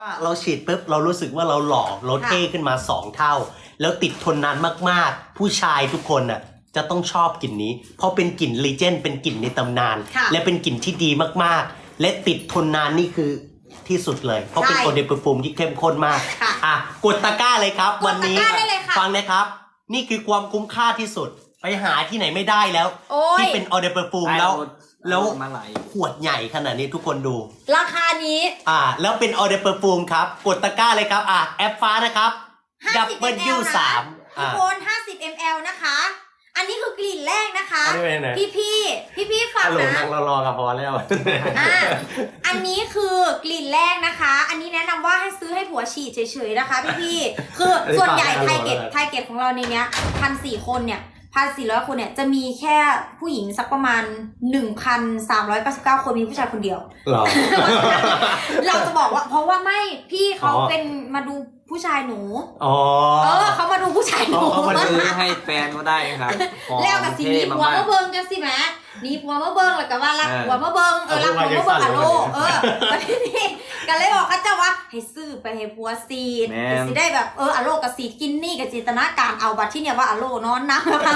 เราฉีดปุ๊บเรารู้สึกว่าเราหล่อเราเท่ขึ้นมา2 เท่าแล้วติดทนนานมากๆผู้ชายทุกคนน่ะจะต้องชอบกลิ่นนี้เพราะเป็นกลิ่นลีเจนด์เป็นกลิ่นในตำนานและเป็นกลิ่นที่ดีมากๆและติดทนนานนี่คือที่สุดเลยเพราะเป็นโอเดปฟูมที่เข้มข้นมากกดตะกร้าเลยครับวันนี้ฟังนะครับนี่คือความคุ้มค่าที่สุดไปหาที่ไหนไม่ได้แล้วที่เป็นออเดปฟูมแล้วขวดใหญ่ขนาดนี้ทุกคนดูราคานี้แล้วเป็นออเดอร์เปอร์ฟูมครับกดตะกร้าเลยครับแอปฟ้านะครับ 50 ml นะทุกคน50 ml นะคะอันนี้คือกลิ่นแรกนะคะพี่ฟังนะนั่งรอกับพอแล้วอันนี้คือกลิ่นแรกนะคะอันนี้แนะนำว่าให้ซื้อให้ผัวฉีดเฉยๆนะคะพี่คือส่วนใหญ่ไทเก็ตของเราในเนี้ย1,400 คนเนี่ย1,400 คนเนี่ยจะมีแค่ผู้หญิงสักประมาณ 1,399 คนมีผู้ชายคนเดียวเราจะบอกว่าเพราะว่าไม่พี่เขาเป็นมาดูผู้ชายหนูเขามาดูผู้ชายหนูเขามาซื้อให้แฟนก็ได้ครับแล้วกับสิ่งนี้หัวมาเบิ้งกันสิแม่นี่หัวมาเบิ้งแล้วก็ว่ารักหัวมาเบิ้งรักหัวมาเบิ้งอะโลวันนี้กันเลยบอกเขาจะว่าให้ซื้อไปให้ผัวซีดสิได้แบบอะโลกับซีดกินนี่กับจินตนาการเอาบัตรที่เนี่ยว่าอะโลนอนนะ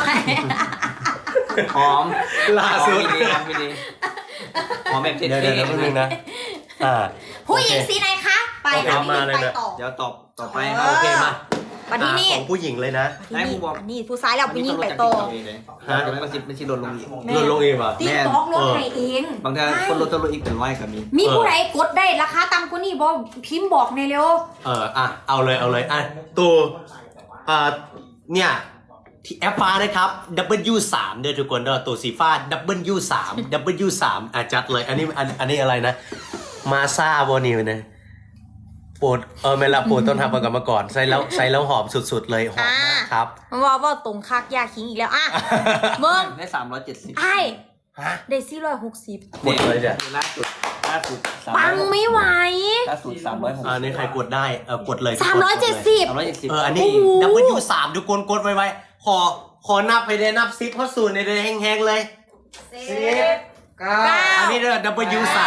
หอมล่าสุดดีหอมแบบเท่ๆนะผู้หญิงสีไหนคะไปค่ะพี่ไปต่อเดี๋ยวต่อไปโอเคมาวันนี้นี่ของผู้หญิงเลยนะนี่ผู้ชายแล้วผู้หญิงไปต่อไม่ใช่ลดลงอีกป่ะติ๊กต็อกลดให้เองบางทีคนลดอีกเป็นร้อยกับมีผู้ใดกดได้ราคาต่ำกว่านี้บอกพิมพ์บอกในเร็วเอาเลยตัวเนี่ยที่แอปฟ้านะครับ W3 เด้อทุกคนเด้อตัวสีฟ้า W3 จัดเลยอันนี้อะไรนะมาซ่าโบนิวนะโปรดไม่ละโปรดต้นทำประกันมาก่อนใส่แล้วหอมสุดๆเลยหอมมากครับว่าตรงคักยาคิงอีกแล้วเบิ้งได้370 ได้460 หมดเลยจ้ะล่าสุดปังไม่ไหวล่าสุด360 อันนี้ใครกดได้กดเลย 370 อันนี้ W3 ทุกคนกดไว้ขอนับไปเลยนับ10เข้าสู่ในเดือนแห้งๆเลย 10 9 อันนี้เด้อ W3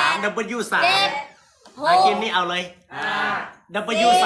กินนี่เอาเลย W3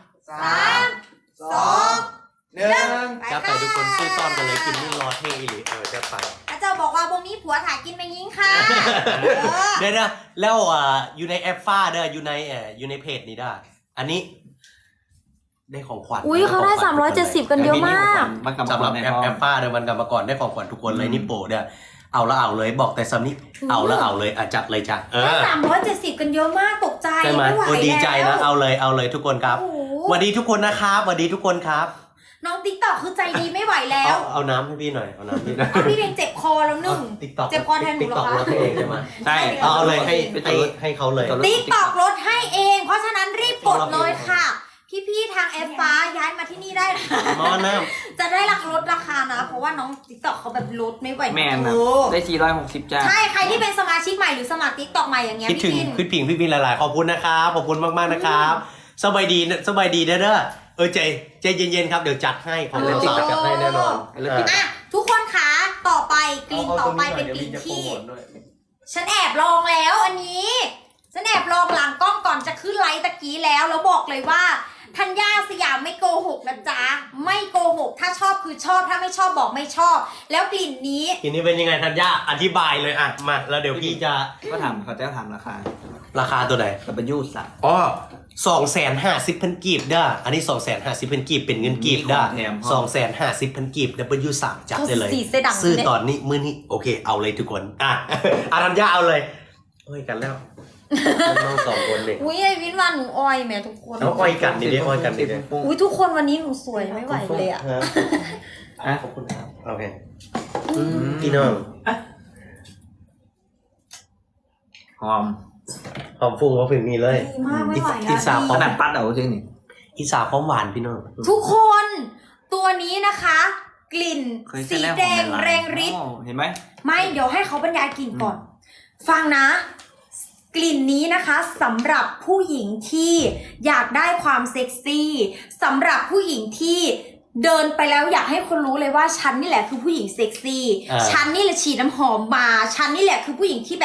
3 2 1 จะไปทุกคนซื้อซ่อนกันเลยกินนี่รอเท่อีหลีจะไปอาจารย์บอกว่าพวกนี้ผัวถ่ายกินไม่ยิงค่ะเดี๋ยวแล้วอยู่ในแอปฟ้าเด้ออยู่ในเพจนี้ได้อันนี้ได้ของขวัญเขาได้370กันเยอะมากสำหรับแอปฟ้าเด้อมันกลับมาก่อนได้ของขวัญทุกคนเลยนี่โปรเด้อเอาเลยบอกแต่ซ้ำนี้เอาเลยจัดเลยจ้ะได้370กันเยอะมากตกใจไม่ไหวแล้วดีใจนะเอาเลยทุกคนครับสวัสดีทุกคนนะครับสวัสดีทุกคนครับน้องติ๊กต็อกคือใจดีไม่ไหวแล้วเอาน้ำให้พี่หน่อยเอาน้ำพี่พี่เองเจ็บคอแล้ว1เจ็บคอแทนหนูเหรอคะติ๊กต็อกลดให้เองใช่ไหมใช่เอาเลยให้เขาเลยติ๊กต็อกลดให้เองเพราะฉะนั้นรีบกดเลยค่ะพี่ทางแอปฟ้าย้ายมาที่นี่ได้นะจะได้ลดราคานะเพราะว่าน้องติ๊กต็อกเขาแบบลดไม่ไหวแม่ได้460จ้าใช่ใครที่เป็นสมาชิกใหม่หรือสมัครติ๊กต็อกใหม่อย่างเงี้ยคิดถึงพี่พิงหลายๆขอบคุณนะครับขอบคุณมากๆนะครับสบายดีเด้อใจเย็นๆครับเดี๋ยวจัดให้ผมจะจัดให้แน่นอนทุกคนคะต่อไปกลิ่นต่อไปเป็นกลิ่นที่ฉันแอบลองแล้วอันนี้ฉันแอบลองหลังกล้องก่อนจะขึ้นไลฟ์ตะกี้แล้วบอกเลยว่าธัญญาสยามไม่โกหกนะจ๊ะไม่โกหกถ้าชอบคือชอบถ้าไม่ชอบบอกไม่ชอบแล้วกลิ่นนี้เป็นยังไงธัญญาอธิบายเลยมาแล้วเดี๋ยวพี่จะเขาจะถามราคาตัวไหน250,000 กีบเด้ออันนี้250,000 กีบเป็นเงินกีบเด้อ250,000 กีบ W3 จัดได้เลยซื้อตอนนี้มื้อนี้โอเคเอาเลยทุกคนธัญญาเอาเลยกันแล้วน้อง2คนเด็กไอ้วินวันหนูอ้อยแม่ทุกคนอ้อยกันนี่อ้อยกันนี่ทุกคนวันนี้หนูสวยไม่ไหวเลยขอบคุณครับโอเคพี่น้องหอมฟุ้งว่าถึงนี่เลยมากไม่ไหวแล้วอิสาพร้อมปัดเอาจริงนี่อิสาพร้อมหวานพี่น้องทุกคนตัวนี้นะคะกลิ่นสีแดงแรงฤทธิ์เห็นไหมไม่เดี๋ยวให้เขาบรรยายกลิ่นก่อนฟังนะกลิ่นนี้นะคะสำหรับผู้หญิงที่อยากได้ความเซ็กซี่สำหรับผู้หญิงที่เดินไปแล้วอยากให้คนรู้เลยว่าฉันนี่แหละคือผู้หญิงเซ็กซี่ฉันนี่แหละฉีดน้ำหอมมาฉันนี่แหละคือผู้หญิงที่แบบ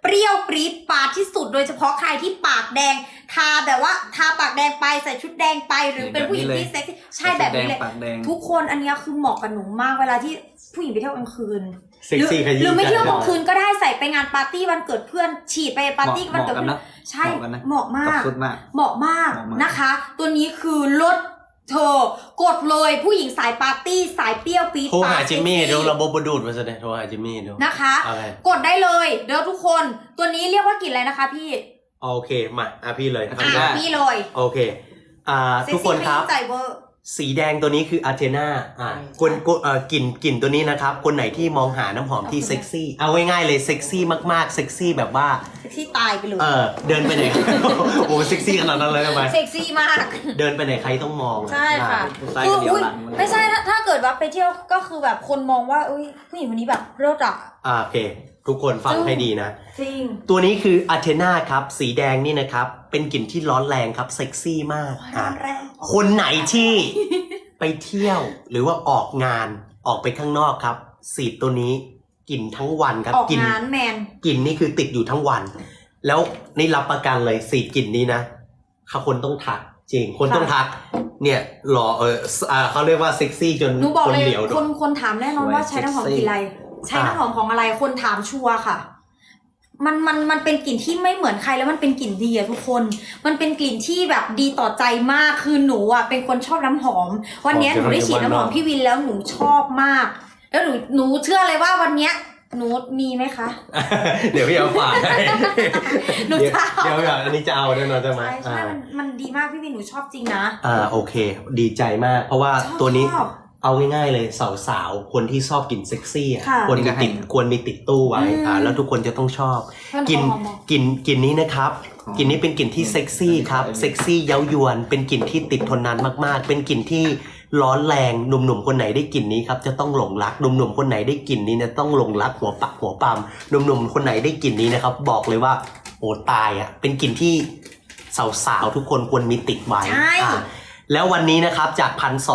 เปรี้ยวปรี๊ดปาดที่สุดโดยเฉพาะใครที่ปากแดงทาแบบว่าทาปากแดงไปใส่ชุดแดงไปหรือเป็นผู้หญิงที่เซ็กซี่ใช่แบบนี้เลยปากแดงทุกคนอันเนี้ยคือเหมาะกับหนูมากเวลาที่ผู้หญิงไปเที่ยวกลางคืนเซ็กซี่ขยี้หรือไม่ใจเที่ยวกลางคืนก็ได้ใส่ไปงานปาร์ตี้วันเกิดเพื่อนฉีดไปปาร์ตี้วันเกิดเพื่อนใช่เหมาะมากสุดมากเหมาะมากนะคะ ตัวนี้คือลดเธอกดเลยผู้หญิงสายปาร์ตี้สายเปรี้ยวปี๊ดโทรหาปดจิมมี่เซ็กซี่เดี๋ยวระบบดูดมาซะเนี่ยโทรหาจิมมี่เดี๋ยวนะคะอะไรกดได้เลยเดี๋ยวทุกคนตัวนี้เรียกว่ากลิ่นอะไรนะคะพี่โอเคมาพี่เลยพี่เลยโอเคทุกคนครับเซ็กซี่ขยี้ใจเวอร์สีแดงตัวนี้คืออาร์เทนาคนกลิ่นตัวนี้นะครับคนไหนที่มองหาน้ำหอมที่เซ็กซี่เอาง่ายๆเลยเซ็กซี่มากๆเซ็กซี่แบบว่าเซ็กซี่ตายไปเลยเดินไปไหน โอ้เซ็กซี่ขนาดนั้นเลยทำไมเซ็กซี่มากเดินไปไหนใครต้องมองใช่ค่ะใส่คือเดี๋ยวอุ๊ยหลังไม่ใช่ถ้าเกิดว่าไปเที่ยวก็คือแบบคนมองว่าอุ้ยผู้หญิงคนนี้แบบเลิศอ่ะโอเค ทุกคนฟังให้ดีนะจริงตัวนี้คืออาร์เทนาครับสีแดงนี่นะครับเป็นกลิ่นที่ร้อนแรงครับเซ็กซี่มากร้อนแรงคนไหนที่ ไปเที่ยวหรือว่าออกงานออกไปข้างนอกครับสีตัวนี้กลิ่นทั้งวันครับออกกลิ่นงานแมนกลิ่นนี่คือติดอยู่ทั้งวัน แล้วนี่รับประกันเลยสีกลิ่นนี้นะคนต้องทักจริงคนต้องทักเนี่ยหล่อเขาเรียกว่าเซ็กซี่จนหนูบอกคนเลยเหลียวคนถามแน่นอนว่าใช้น้ำหอมกลิ่นอะไร ใช้น้ำหอมของอะไรคนถามชัวร์ค่ะ มันเป็นกลิ่นที่ไม่เหมือนใครแล้วมันเป็นกลิ่นดีอะทุกคน มันเป็นกลิ่นที่แบบดีต่อใจมากคือหนูอะเป็นคนชอบน้ำหอม วันเนี้ยหนูได้ฉีดน้ำหอมพี่วินแล้วหนูชอบมาก แล้วหนูเชื่อเลยว่าวันเนี้ยหนูมีไหมคะเดี๋ยวพี่เอาฝากให้หนูจะเอาเดี๋ยวอันนี้จะเอาแน่นอนใช่ไหมใช่มันดีมากพี่วินหนูชอบจริงนะโอเค ดีใจมาก เพราะว่าชอบตัวนี้ชอบเอาง่ายๆเลยสาวๆคนที่ชอบกลิ่นเซ็กซี่อะค่ะควรมีติดตู้ไว้แล้วทุกคนจะต้องชอบ กลิ่นนี้นะครับกลิ่นนี้เป็นกลิ่นที่เซ็กซี่ครับเซ็กซี่เย้ายวนเป็นกลิ่นที่ติดทนนานมากๆ เป็นกลิ่นที่ร้อนแรงหนุ่มๆคนไหนได้กลิ่นนี้ครับจะต้องหลงรักหนุ่มๆคนไหนได้กลิ่นนี้เนี่ยต้องหลงรักหัวปักหัวปามหนุ่มๆคนไหนได้กลิ่นนี้นะครับบอกเลยว่าโอ้ตายอ่ะเป็นกลิ่นที่สาวๆทุกคนควรมีติดไว้ใช่แล้ววันนี้นะครับจาก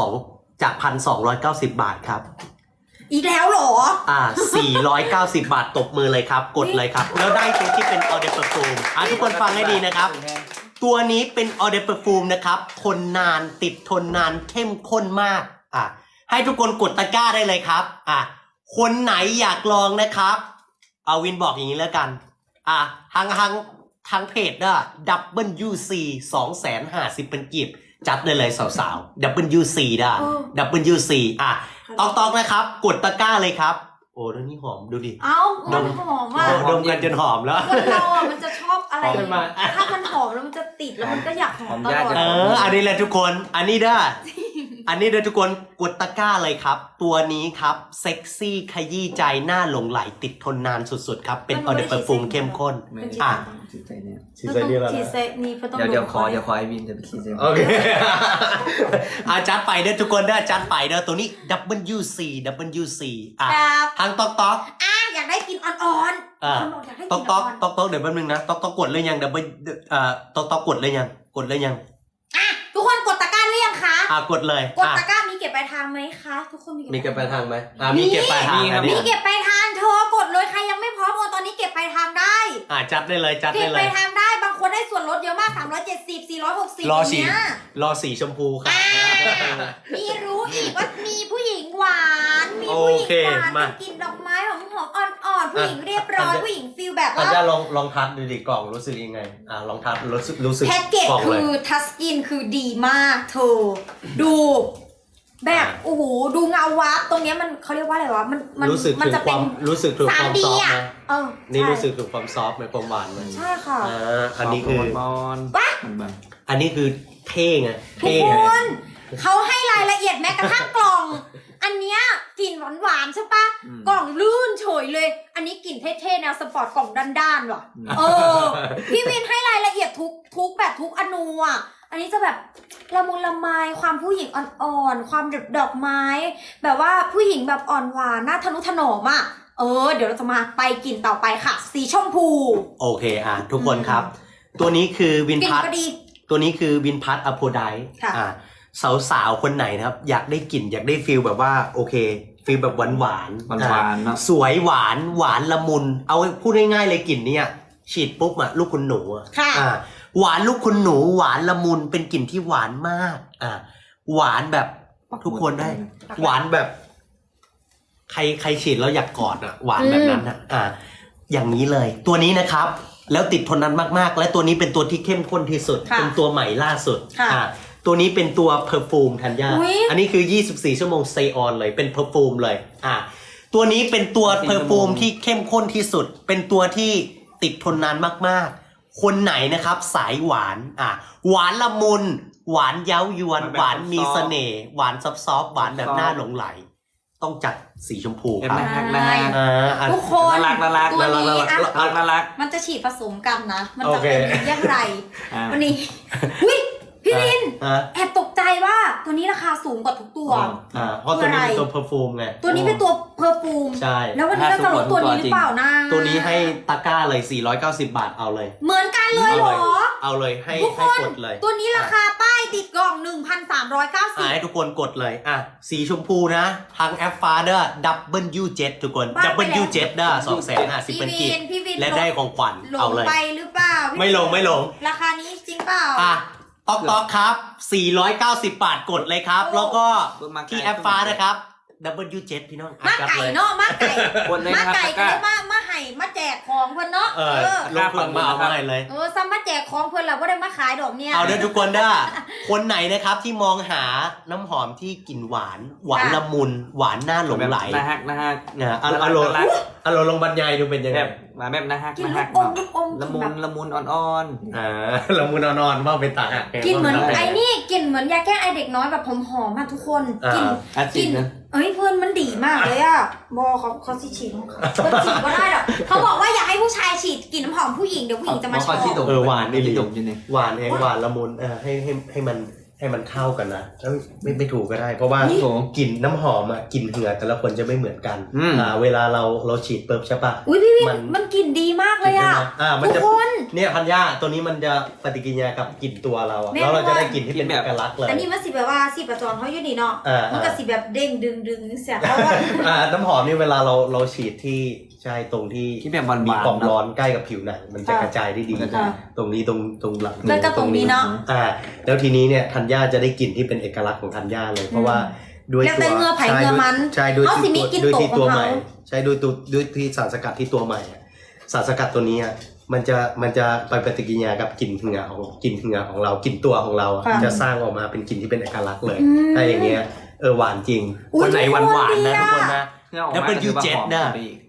1,290 บาทครับอีกแล้วเหรอ 490 บาทตบมือเลยครับกดเลยครับแล้วได้ตัวที่เป็นออเดอร์เปอร์ฟูมทุกคนฟังให้ดีนะครับ ตัวนี้เป็นออเดอร์เปอร์ฟูมนะครับทนนานติดทนนานเข้มข้นมากให้ทุกคนกดตะกร้าได้เลยครับคนไหนอยากลองนะครับเอาวินบอกอย่างนี้แล้วกันทางเพจนะWC 250เป็นกีบจัดได้เลยสาวๆ WC ได้ WC ต้องนะครับกดตะกร้าเลยครับโอ้แล้วนี่หอมดูดิเอ้ามันหอมอ่ะดมกันจนหอมแล้วคนเราอ่ะมันจะชอบอะไรหอมขึ้นมาถ้ามันหอมแล้วมันจะติดแล้วมันก็อยากหอมตลอดอันนี้แหละทุกคนอันนี้เด้ออันนี้เด้อทุกคนกดตะกร้าเลยครับตัวนี้ครับเซ็กซี่ขยี้ใจหน้าหลงไหลติดทนนานสุดๆครับเป็นออเดอร์เปอร์ฟูมเข้มข้นฉีดใจเนี่ยฉีดใส่นี่แล้วฉีดเซนี่ก็ต้องเดี๋ยวขอไอวินจะไปฉีดใจโอเคจัดไปเด้อทุกคนเด้อจัดไปเด้อตัวนี้ WC ครับทางต๊อกอยากได้กินอ่อนๆคนบอกอยากได้กินต๊อ่ออก นเดี๋ยวแป๊บนึงนะต๊อกกดเลยยังต๊อกกดเลยยังๆทุกคนกดตะกร้าหรือยังคะกดเลยกดตะกร้ามีเก็บปลายทางไหมคะทุกคนมีเก็บปลายทางไหมมีเก็บปลายทางอันมีนี้เก็บปลายทางเธอกดเลยใครยังไม่พร้อมโอนตอนนี้เก็บปลายทางได้จัดได้เลยจัดเก็ได้บเลปลาย ยทางได้บางคนได้ส่วนลดเยอะมาก370 460 รอสีเนี้ยรอสีชมพูค่ะมีรู้อีกว่ามีผู้หญิงหวานมีผู้หญิงหวานโอเคมาเป็นกลิ่นดอกไม้หอมอ่อนๆผู้หญิงเรียบร้อยผู้หญิงฟีลแบบอาว่าจารย์ลองทัดดูดิกล่องรู้สึกยังไงลองทัดรู้สึกแพ็กเกจกล่องคืเลยอทัสกินคือดีมากเธอดูแบบโอ้โหดูเงาวับตรงเนี้ยมันเขาเรียกว่าอะไรวะมันรู้สึกมันถึงจะคเป็วาน มรู้สึกถึงความ 3D ซอฟต์อ่ะนะ นี่รู้สึกถึงความซอฟต์ไหมความหวานไหมใช่ค่ะอันนี้คือบอลอันนี้คือเท่ไงทุกเท่คไงนเขาให้รายละเอียดแม้กระทั่งกล่อง อันเนี้ยกลิ่นหวานๆใช่ปะกล่องลื่นเฉยเลย อันนี้กลิ่นเท่ๆแนวสปอร์ตกล่องด้านๆว่ะพี่วินให้รายละเอียดทุกแบบทุกอนูอ่ะอันนี้จะแบบละมุนละไมความผู้หญิงอ่อนๆความดอกไม้ แบบว่าผู้หญิงแบบอ่อนหวานน่าทะนุถนอมอ่ะเดี๋ยวเราจะมาไปกลิ่นต่อไปค่ะสีชมพูโอเคทุกคนครับ ตัวนี้คือวินกลิ่นพัทก็ดีตัวนี้คือวินพัทอโพไดค่ะสาวๆคนไหนนะครับอยากได้กลิ่นอยากได้ฟีลแบบว่าโอเคฟีลแบบหวานหวานๆเนาะสวยหวานละมุนเอาพูดง่ายๆเลยกลิ่นเนี้ยฉีดปุ๊บอะลูกคุณหนูอะค่ะหวานลูกคุณหนูหวานละมุนเป็นกลิ่นที่หวานมากหวานแบบทุกคนได้ หวานแบบ ใครฉีดแล้วอยากกอดอะหวานแบบนั้นอะอย่างนี้เลย ตัวนี้นะครับ แล้วติดทนนานมากๆ และตัวนี้เป็นตัวที่เข้มข้นที่สุดค่ะเป็นตัวใหม่ล่าสุดค่ะตัวนี้เป็นตัวเพอร์ฟูมธัญญาอุ๊ยอันนี้คือ24ชั่วโมง stay on เลยเป็นเพอร์ฟูมเลยตัวนี้เป็นตัวเพอร์ฟูมที่เข้มข้นที่สุด เป็นตัวที่ติดทนนานมากๆ คนไหนนะครับสายหวานหวานละมุน หวานเย้ายวน หวานมีเสน่ห์หวานซอฟต์ๆหวานแบบน่าหลงไหล ต้องจัดสีชมพูครับทุกคนน่ารักตัวนี้อะน่ารักมันจะฉีดผสมกันนะ มันจะโอเคเป็นอย่างไร วันนี้อุ้ยพี่ลิน แอบตกใจว่าตัวนี้ราคาสูงกว่าทุกตัวเพราะตัวนี้เป็นตัวเพอร์ฟูมไงตัวนี้เป็นตัวเพอร์ฟูมใช่แล้ววันนี้เราจะลดตัวนี้หรือเปล่านะตัวนี้ให้ตะกร้าเลย490 บาทเอาเลยเหมือนกันเลยเหรอเอาเลยให้ทุกคนกดเลยตัวนี้ราคาป้ายติดกล่องให้ทุกคนกดเลยสีชมพูนะทางแอปฟ้าเด้อ W7 ทุกคน W7 เด้อ 250 เป็นกิจพี่วินและได้ของขวัญหลเอางเลยไปหรือเปล่าพี่ไม่ลงราคานี้จริงเปล่าต๊อกครับ 490 บาทกดเลยครับ แล้วก็ที่แอปฟ้านะครับ W7 พี่น้องมาไก่เนาะมาไก่คนเลยมานะครับไก่ก็เลยมาให้มาแจกของเพื่อนเนาะลงทุนมาเอามาให้เลยซ้ำมาแจกของเพื่อนเราก็ได้มาขายดอกเนี่ยเอาเด้อทุกคนเด้อคนไหนนะครับที่มองหาน้ำหอมที่กลิ่นหวานละมุน หวานน่าหลงไหลน่าฮักอารมณ์ลงบรรยายดูเป็นยังไงแบบน่าฮักกินน่าลูฮักกอมลูกอมละมุนอ่อนละมุนนอนว่าเป็นตาหักกินเหมือนไอ้นี่กินเหมือนยาแก้ไอเด็กน้อยแบบหอมๆทุกคนกินกินนะเอ้ยเพื่อนมันดีมากเลยอะบอเขาสิฉีดของเขาฉีดก็ได้หรอกเขาบอกว่าอยากให้ผู้ชายฉีดกลิ่นน้ำหอมผู้หญิงเดี๋ยวผู้หญิงจะมาชอบหวานนี่ที่ดมอยู่นี่หวานหวานละมุนให้มันเข้ากันนะไม่ถูกก็ได้ เพราะว่ากลิ่นน้ำหอมกลิ่นเหงื่อแต่ละคนจะไม่เหมือนกันเวลาเราฉีดเปิบใช่ปะอุ้ยพี่วินมันกลิ่นดีมากเลยอะทุกคนเนี่ยพันย่าตัวนี้มันจะปฏิกิริยากับกลิ่นตัวเราแล้วเราจะได้กลิ่นที่เป็นเอกลักษณ์เลยแต่นี่มันสิแบบว่าสิประจอนเขาอยู่นี่เนาะมันก็สิแบบเด้งดึงเสียเพราะว่าน้ำหอมนี่เวลาเราฉีดที่ใช่ตรงที่แบบหวานมีความร้อนใกล้กับผิวหนังมันจะกระจายได้ดีตรงนี้ตรงหลังแล้วก็ตรงนี้เนาะแล้วทีนี้เนี่ยธัญญาจะได้กลิ่นที่เป็นเอกลักษณ์ของธัญญาเลยเพราะว่าด้วยแล้วตัแต่วเงือไผ่เงือมันใช่ด้วยเขาสิมีกลิ่นด้วยโตที่ขตัอวงใหม่เขาใช่ด้วยที่สารสกัดที่ตัวใหม่สารสกัดตัวนี้มันจะไปปฏิกิริยากับกลิ่นเหงื่อของเรากลิ่นตัวของเราจะสร้างออกมาเป็นกลิ่นที่เป็นเอกลักษณ์เลยถ้าอย่างเงี้ยหวานจริงคนไหนหวานนะทุกคนนะแล้วเป็นยูเจ็ตนะ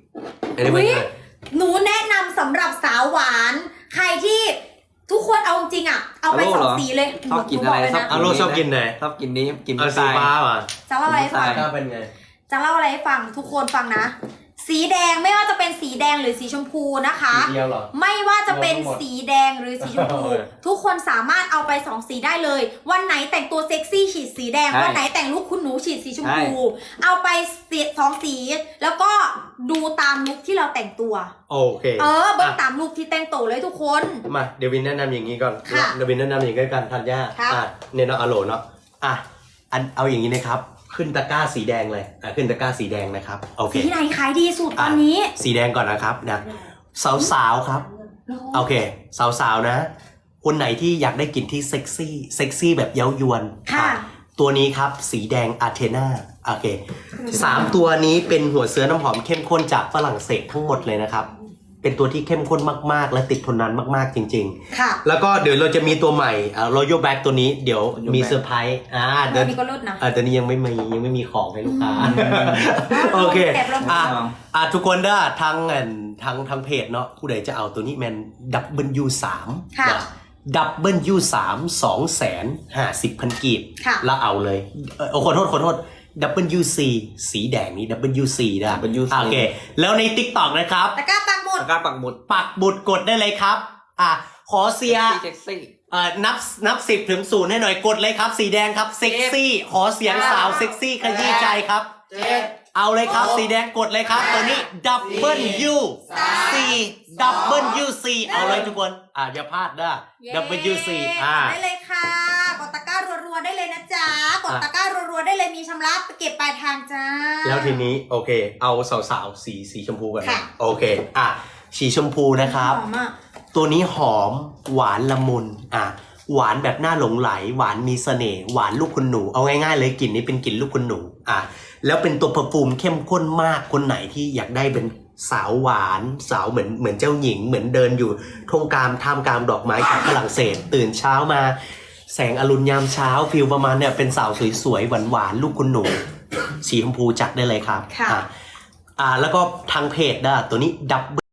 หนูแนะนำสำหรับสาวหวานใครที่ทุกคนเอาจริงเอาไป2สีเลยชอบกินอะไรชอบกินไหนชอบกินนี้กินสีฟ้าว่ะจะเล่าอะไรให้ฟังเป็นไงจะเล่าอะไรให้ฟังทุกคนฟังนะ สีแดงไม่ว่าจะเป็นสีแดงหรือสีชมพูนะคะสีเดียวเหรอไม่ว่าจะเป็นสีแดงหรือสีชมพูทุกคนสามารถเอาไป2สีได้เลย วันไหนแต่งตัวเซ็กซี่ฉีดสีแดงวันไหนแต่งลุคคุณหนูฉีดสีชมพูเอาไป2สีแล้วก็ดูตามลุคที่เราแต่งตัวโอเคเบิ้งตามลุคที่แต่งตัวเลยทุกคนมาเดวินแนะนำอย่างนี้ก่อนค่ะเดวินแนะนำอย่างนี้กันธัญญาเนี่ยเนาะอโลเนาะเอาอย่างนี้นะครับขึ้นตะกร้าสีแดงเลยขึ้นตะกร้าสีแดงนะครับโอเคสีไหนขายดีสุดตอนนี้สีแดงก่อนนะครับนะสาวๆครับโอเคสาวๆนะคนไหนที่อยากได้กลิ่นที่เซ็กซี่แบบเย้ายวนตัวนี้ครับสีแดงอาเทนาโอเค3ตัวนี้เป็นหัวเชื้อน้ำหอมเข้มข้นจากฝรั่งเศสทั้งหมดเลยนะครับเป็นตัวที่เข้มข้นมากๆและติดทนนานมากๆจริงๆค่ะแล้วก็เดี๋ยวเราจะมีตัวใหม่Royal Black ตัวนี้เดี๋ยวมีเซอร์ไพรส์เดี๋ยวนี้ก็ลดนะตัวนี้ยังไม่มีของให้ลูกค้าโอเคทุกคนเด้อทางเพจเนาะผู้ใดจะเอาตัวนี้แมน W3 ค่ะ W3 250,000 กีบแล้วเอาเลยขอโทษWC สีแดงนี้ WC นะโอเคแล้วใน TikTok นะครับตะกร้าปักหมุดกดได้เลยครับขอเสียนับ10 ถึง 0ให้หน่อยกดเลยครับสีแดงครับเซ็กซี่ขอเสียงสาวเซ็กซี่ขยี้ใจครับเอาเลยครับสีแดงกดเลยครับตัวนี้ WC เอาเลยทุกคนอย่าพลาดนะ WC ได้เลยค่ะกดตะกร้ารัวๆได้เลยนะจ๊ะกดตะกร้ารัวๆได้เลยมีชำระเก็บปลายทางจ้าแล้วทีนี้โอเคเอาสาวๆสีชมพูกันโอเคสีชมพูนะครับตัวนี้หอมหวานละมุนหวานแบบน่าหลงไหลหวานมีเสน่ห์หวานลูกคุณหนูเอาง่ายๆเลยกลิ่นนี้เป็นกลิ่นลูกคุณหนูแล้วเป็นตัวเพอร์ฟูมเข้มข้นมากคนไหนที่อยากได้เป็นสาวหวานสาวเหมือนเจ้าหญิงเหมือนเดินอยู่ท่ามกลางดอกไม้จากฝรั่งเศสตื่นเช้ามาแสงอรุณยามเช้าฟิลประมาณเนี่ยเป็นสาวสวยๆหวานๆลูกคุณหนูสีชมพูจัดได้เลยครับแล้วก็ทางเพจตัวนี้ดับ